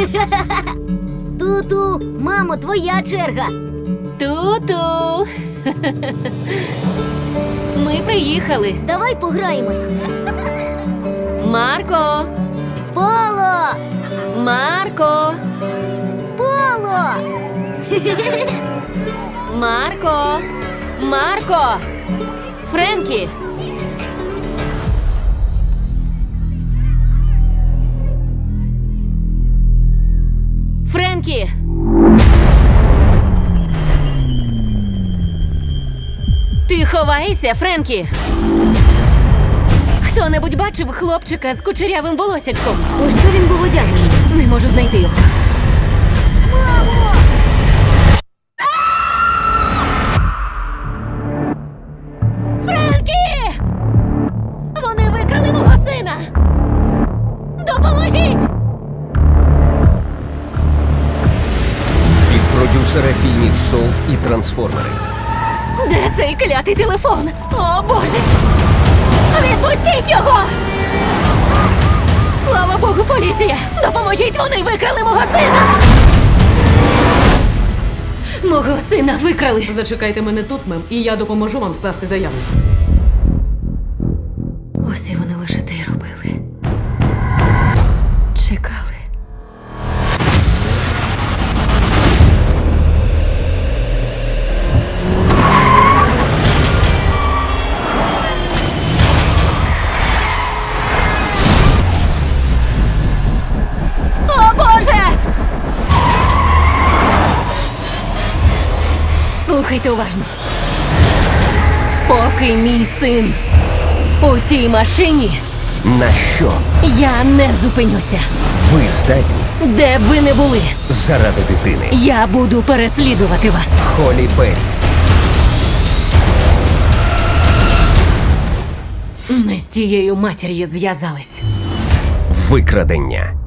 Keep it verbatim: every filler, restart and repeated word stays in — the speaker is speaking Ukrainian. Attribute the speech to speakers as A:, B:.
A: Ту-ту, мамо, твоя черга.
B: Ту-ту. Ми приїхали.
A: Давай пограємось.
B: Марко!
A: Поло!
B: Марко!
A: Поло!
B: Марко! Марко! Френкі! Френкі! Ти ховаєшся, Френкі? Хто-небудь бачив хлопчика з кучерявим волосячком?
A: У що він був одягнений?
B: Не можу знайти його.
A: Мамо!
B: Френкі! Вони викрали мого сина! Допоможіть!
C: Від продюсера фільмів «Солт» і «Трансформери».
B: Де цей клятий телефон? О, Боже! Відпустіть його! Слава Богу, поліція! Допоможіть, вони викрали мого сина! Мого сина викрали!
D: Зачекайте мене тут, мем, і я допоможу вам скласти заяву.
B: Ось і вони лише те й робили. Чекали. О, Боже! Слухайте уважно. Поки мій син у тій машині,
C: На що
B: я не зупинюся.
C: ви здатні
B: Де б ви не були,
C: заради дитини?
B: я буду переслідувати вас.
C: Холі Беррі.
B: Ми з тією матір'ю зв'язались.
C: Викрадення.